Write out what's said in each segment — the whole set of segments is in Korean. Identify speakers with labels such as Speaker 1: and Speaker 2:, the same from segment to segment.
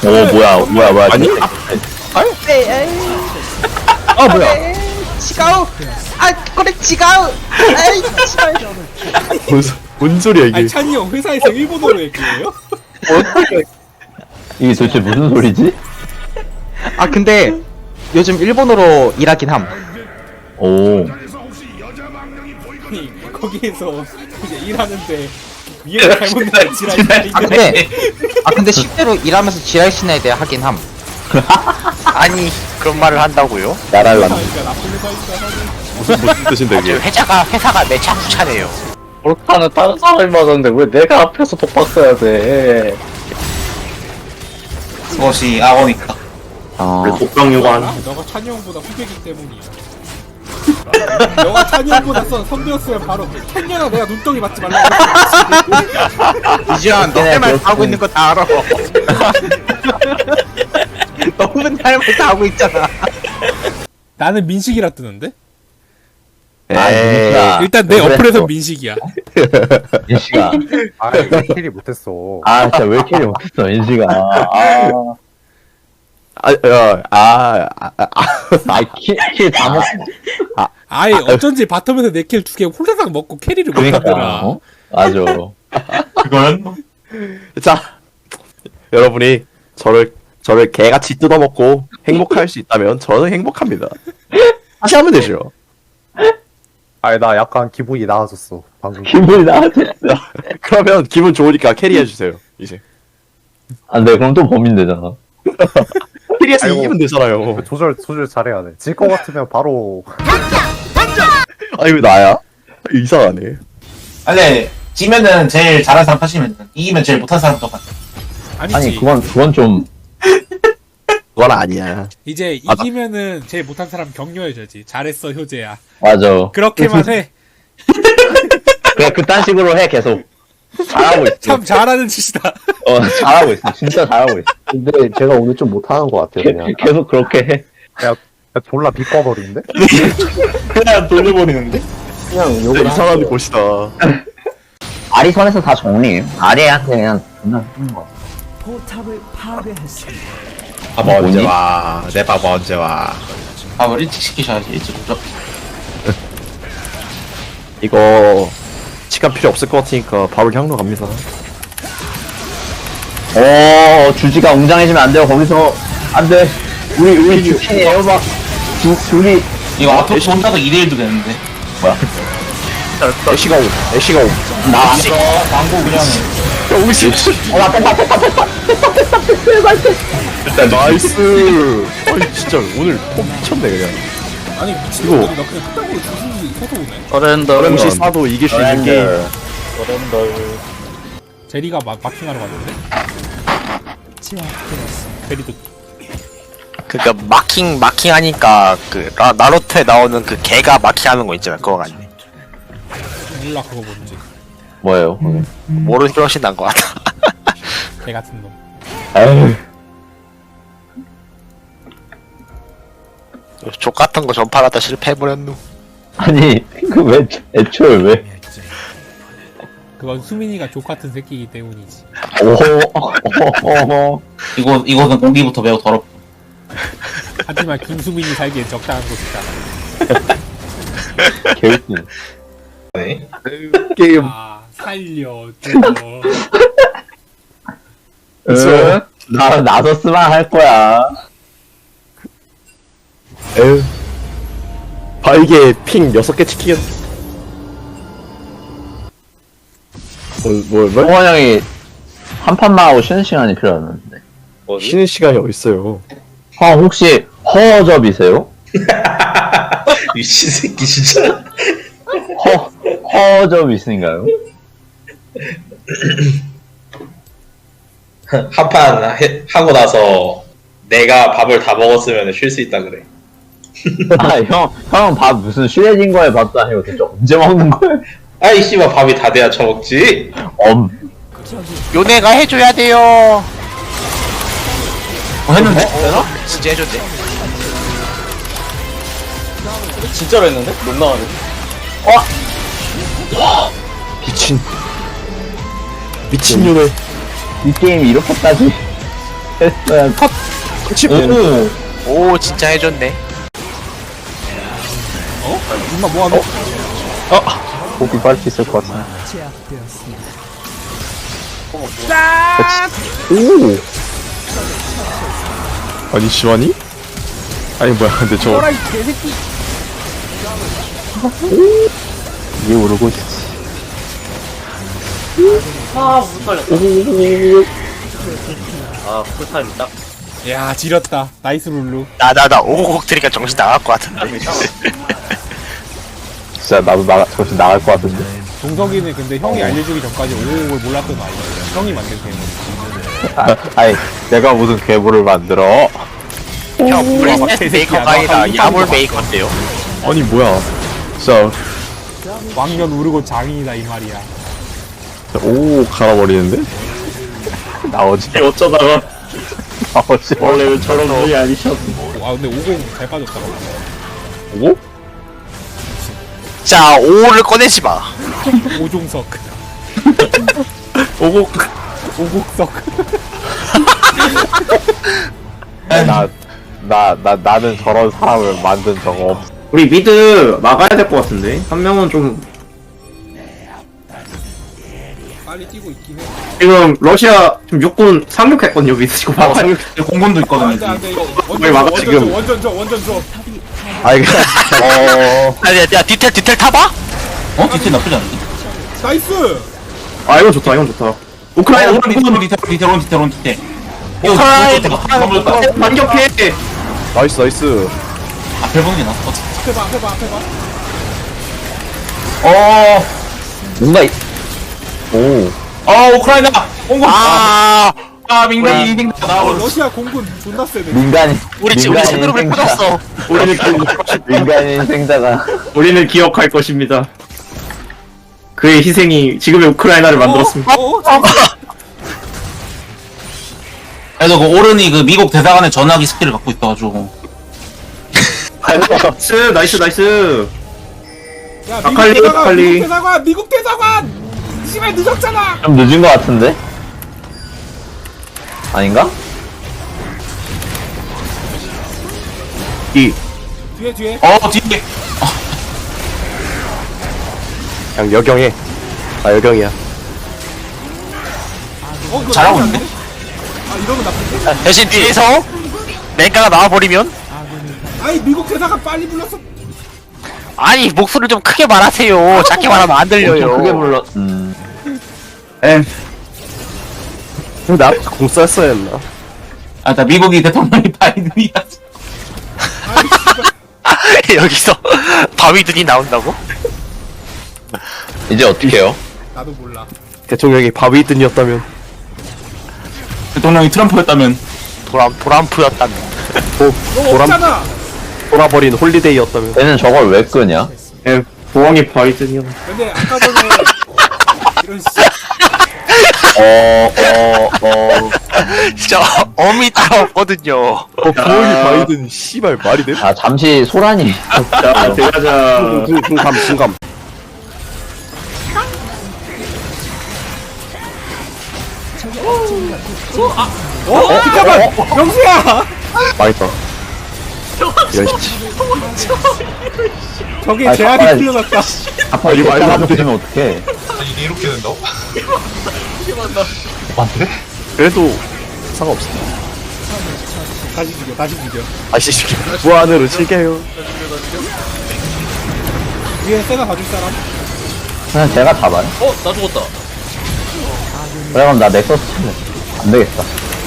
Speaker 1: 오 뭐야
Speaker 2: 아니?
Speaker 1: 아 뭐야
Speaker 3: 지가우! 아, 그래, 지가우! 아이, 씨발.
Speaker 2: 뭔 소리야 이게?
Speaker 4: 아니 찬이 형 회사에서 일본어로 얘기해요?
Speaker 1: 이게 도대체 무슨 소리지?
Speaker 3: 아, 근데 요즘 일본어로 일하긴 함.
Speaker 1: 오
Speaker 4: 아니 거기에서 이제 일하는데 위에가 잘못 나온 지랄이
Speaker 3: 근데 실제로 일하면서 지랄신에 대해 하긴 함.
Speaker 5: 아니 그런 말을 한다고요?
Speaker 1: 나랄라
Speaker 4: 그러니까 나쁜 회사니까
Speaker 2: 무슨 뜻인데
Speaker 5: 아주
Speaker 2: 이게?
Speaker 5: 회사가 내 차쿠차네요.
Speaker 1: 볼카는 다른 사람이 맞았는데 왜 내가 앞에서 독박 써야 돼?
Speaker 6: 그것이 악어니까.
Speaker 1: 아
Speaker 2: 독병요관.
Speaker 4: 너가 찬이 형보다 후배기 때문이야. 너가 찬이 형보다 선배였으면 바로 캔년아 내가 눈덩이 맞지 말라고
Speaker 3: 이지현, 너 할 말 다 하고 있는 거 다 알아. 너 맨날 할 말 다 하고 있잖아.
Speaker 4: 나는 민식이라 뜨는데?
Speaker 1: 민식아
Speaker 4: 일단 내 어플에서 민식이야.
Speaker 1: 민식아
Speaker 7: 아왜 캐리 못했어.
Speaker 1: 아 진짜 왜 이렇게 못했어 민식아 킬다 먹
Speaker 4: 아예 어쩐지 바텀에서 내 킬 2개 홀라당 먹고 캐리를 못하더라.
Speaker 1: 어? 맞아
Speaker 6: 그건
Speaker 2: 자, 여러분이 저를 개같이 뜯어먹고 행복할 수 있다면 저는 행복합니다. 다시 하면 되죠.
Speaker 7: 아니 나 약간 기분이 나아졌어 방금.
Speaker 1: 기분이 나아졌어
Speaker 2: 그러면 기분 좋으니까 캐리해 주세요. 이제
Speaker 1: 안돼 그럼 또 범인 되잖아
Speaker 2: 캐리해서
Speaker 7: 아이고.
Speaker 2: 이기면 되잖아요.
Speaker 7: 조절 잘해야 돼. 질 것 같으면 바로
Speaker 2: 아니 왜 나야? 이상하네.
Speaker 6: 아니 지면은 제일 잘하는 사람 탓이면 이기면 제일 못하는 사람 똑같아.
Speaker 4: 아니지.
Speaker 1: 아니 그건 좀
Speaker 2: 그건 아니야.
Speaker 4: 이제
Speaker 2: 맞아.
Speaker 4: 이기면은 제일 못한 사람 격려해줘야지. 잘했어 효재야.
Speaker 1: 맞아
Speaker 4: 그렇게만 해.
Speaker 1: 그냥 그딴 식으로 해 계속 잘하고 있어
Speaker 4: 참 잘하는 짓이다.
Speaker 1: 잘하고 있어 진짜 잘하고 있어
Speaker 7: 근데 제가 오늘 좀 못하는 것 같아요 그냥.
Speaker 1: 계속 그렇게 해
Speaker 7: 야 졸라 비꺼버리는데?
Speaker 2: 그냥 돌려버리는데?
Speaker 7: 그냥 욕을
Speaker 2: 이상한 곳이다.
Speaker 1: 아리 선에서 다 정리 아리한테 그냥 존나 쓰는 거
Speaker 2: 밥 언제 와? 내 밥 언제 와?
Speaker 6: 밥을 일찍 시키셔야지 일찍 오죠.
Speaker 2: 이거 시간 필요 없을 것 같으니까 밥을 향로 갑니다.
Speaker 1: 주지가 웅장해지면 안 돼요 거기서 안돼 우리 주킨이에요 막 둘이
Speaker 6: 이거 앞으로 혼자서 2대1도 되는데.
Speaker 2: 애쉬가 오. 애쉬가 오.
Speaker 1: 나
Speaker 6: 이거 광고 그냥
Speaker 2: 야 우리 씨.
Speaker 1: 나 뺐다
Speaker 2: 일단 나이스. 아니 진짜 오늘 폼 미쳤네 그냥.
Speaker 4: 아니 미친
Speaker 2: 이거.
Speaker 4: 놈들이 나 그냥 그딴 걸로 주순이 서서 오네.
Speaker 2: 혹시 사도 이길 수 있는 게임.
Speaker 4: 제리가 마킹하러 갔는데? 제리도
Speaker 5: 그니까 마킹 하니까 그 나루토에 나오는 그 개가 마킹하는 거 있잖아. 그거 같네.
Speaker 4: 몰라 그거 뭔지.
Speaker 1: 뭐예요?
Speaker 5: 모르는 게 훨씬 나은 것 같아.
Speaker 4: 개 같은 놈.
Speaker 1: 에휴
Speaker 5: 족 같은 거 전파하다 실패해버렸누.
Speaker 1: 아니 그 왜 애초에 왜
Speaker 4: 그건 수민이가 족 같은 새끼이기 때문이지.
Speaker 1: 오호
Speaker 6: 이거는 공기부터 매우 더럽.
Speaker 4: 하지만 김수민이 살기엔 적당한 곳이다.
Speaker 1: 개웃기네
Speaker 2: 게임.
Speaker 4: 아 살려줘.
Speaker 1: 나도 쓰만 할 거야
Speaker 2: 에휴. 바이게 핑 6개 치킨. 뭘?
Speaker 1: 동원 형이 한 판만 하고 쉬는 시간이 필요하는데
Speaker 2: 쉬는 시간이 어딨어요.
Speaker 1: 형 혹시 허접이세요?
Speaker 6: 미친 새끼 진짜.
Speaker 1: 허접이신가요?
Speaker 8: 한 판 하고 나서 내가 밥을 다 먹었으면 쉴 수 있다 그래.
Speaker 1: 형 밥 무슨 슈레딩 거에 밥도 아니고 대체 언제 먹는 거야?
Speaker 8: 아이 씨발 밥이 다 돼야 처먹지.
Speaker 5: 요네가 해줘야 돼요.
Speaker 6: 했는데?
Speaker 5: 진짜 해줬대.
Speaker 6: 진짜로 했는데? 못 나가네.
Speaker 2: 미친 년을.
Speaker 1: 이 게임이 이렇게까지 했어야
Speaker 6: 오.
Speaker 5: 오 진짜 해줬네.
Speaker 4: 임마 뭐하노?
Speaker 1: 고비 빨리 있을 것 같아.
Speaker 2: 오! 아니, 시완이? 아니, 뭐야, 근데 저.
Speaker 4: 어라이 개새끼.
Speaker 1: 이게 오르고 있지.
Speaker 4: 야 지렸다. 나이스 룰루.
Speaker 5: 나 오곡 들이니까 정신 나갈 것 같은데.
Speaker 1: 진짜 나도 정신 나갈 것 같은데.
Speaker 4: 동석이는 근데 형이 알려주기 전까지 오곡을 몰랐던 아이야. 형이 만든 괴물.
Speaker 1: 아니, 내가 무슨 괴물을 만들어?
Speaker 5: 형 프린세스
Speaker 4: 개새끼야,
Speaker 5: 메이커가
Speaker 4: 너
Speaker 5: 아니라
Speaker 4: 아까
Speaker 5: 야물
Speaker 4: 인사한
Speaker 5: 메이커인데요.
Speaker 2: 아니, 뭐야. 진짜,
Speaker 4: 왕년 우르고 장인이다 이 말이야.
Speaker 2: 오, 갈아버리는데?
Speaker 1: 나오지.
Speaker 7: 어쩌다가
Speaker 1: 나오지.
Speaker 7: 원래는 저런 분이 아니셨.
Speaker 4: 아 근데 오곡 잘 빠졌다.
Speaker 2: 오?
Speaker 5: 자 5를 꺼내지 마.
Speaker 4: 오종석.
Speaker 2: 오곡.
Speaker 4: 오곡석.
Speaker 1: 나는 저런 사람을 만든 적 없어.
Speaker 3: 우리 미드 막아야 될 것 같은데 한 명은 좀
Speaker 4: 빨리 뛰고 있긴 해.
Speaker 3: 지금 러시아 지금 육군 상륙했거든요 미드 지금
Speaker 6: 어, 공군도 있거든.
Speaker 4: 안돼 안돼 이거
Speaker 3: 빨리 막아, 지금.
Speaker 4: 원전 줘.
Speaker 1: 아이,
Speaker 5: 야 디텔 타봐?
Speaker 6: 어? 디테일 나쁘지 않은데?
Speaker 4: 나이스.
Speaker 3: 아 이건 좋다 이건 좋다 우크라이나
Speaker 6: 디테일. 이거
Speaker 5: 우크라이나
Speaker 3: 반격해
Speaker 2: 나이스, 나이스.
Speaker 6: 앞에 보는 게 나아.
Speaker 4: 해봐.
Speaker 6: 어.
Speaker 1: 뭔가, 오.
Speaker 6: 우크라이나 공군.
Speaker 5: 아
Speaker 6: 민간인 나오고.
Speaker 4: 러시아 공군 존나 세네.
Speaker 1: 민간인.
Speaker 5: 우리
Speaker 1: 민간인
Speaker 5: 친구로
Speaker 1: 생자.
Speaker 5: 뺏겼어.
Speaker 1: 민간인 생자가.
Speaker 3: 우리는 기억할 것입니다 그의 희생이 지금의 우크라이나를 만들었습니다
Speaker 6: 그래도 그 오른이 그 미국 대사관의 전화기 스킬을 갖고 있어가지고.
Speaker 3: 나이스
Speaker 4: 야
Speaker 3: 아칼리, 아칼리.
Speaker 4: 미국 대사관. 씨발 늦었잖아.
Speaker 1: 좀 늦은 것 같은데? 아닌가?
Speaker 4: 뒤에.
Speaker 6: 뒤에.
Speaker 2: 그냥 여경해. 아, 여경이야.
Speaker 4: 그거
Speaker 6: 잘하고
Speaker 4: 나쁘지
Speaker 6: 있는데?
Speaker 4: 않네? 아 이러면 나쁜데?
Speaker 5: 대신 뒤에서 랭가가 나와버리면
Speaker 4: 아이 미국 대사관 빨리 불렀어.
Speaker 5: 아니 목소리를 좀 크게 말하세요. 작게 말하면 안
Speaker 1: 좀
Speaker 5: 들려요.
Speaker 1: 크게 불러.
Speaker 2: 나 공 쐈어야 했나?
Speaker 6: 나 미국이 대통령이 바이든이야.
Speaker 5: 여기서 바위든이 나온다고?
Speaker 1: 이제 어떻게 해요?
Speaker 4: 나도 몰라.
Speaker 2: 대통령이 바위든이었다면.
Speaker 6: 대통령이 트럼프였다면.
Speaker 5: 도람프였다면.
Speaker 4: 너 없잖아.
Speaker 2: 돌아버린 홀리데이였다면.
Speaker 1: 얘는 저걸 왜 끄냐?
Speaker 3: 부엉이 바이든이요
Speaker 4: 근데 아까 전에 이런 씨.
Speaker 5: 진짜 어미 따라 없거든요.
Speaker 2: 부엉이 바이든, 씨발, 말이 돼?
Speaker 1: 아, 잠시 소란이.
Speaker 3: 자 들어가자
Speaker 2: 중감.
Speaker 4: 잠깐만. 명수야.
Speaker 2: 망했다. 이런 씨.
Speaker 4: 저게
Speaker 1: 아,
Speaker 4: 제약이
Speaker 1: 잠깐만.
Speaker 4: 풀려났다.
Speaker 1: 아빠 이거 말도 안 되면 어떡해.
Speaker 2: 그래도 상관없어.
Speaker 4: 다시 죽여.
Speaker 2: 아씨, 무한으로 즐겨요.
Speaker 4: 위에 세나 봐줄 사람?
Speaker 1: 그냥 제가 잡아요.
Speaker 8: 나 죽었다.
Speaker 1: 그래, 그럼 나 넥서스 칠래. 안 되겠다.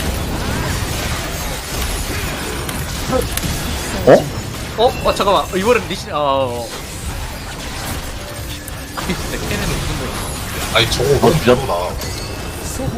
Speaker 8: 잠깐만. 이번엔 리신,
Speaker 1: 너 뒤졌다.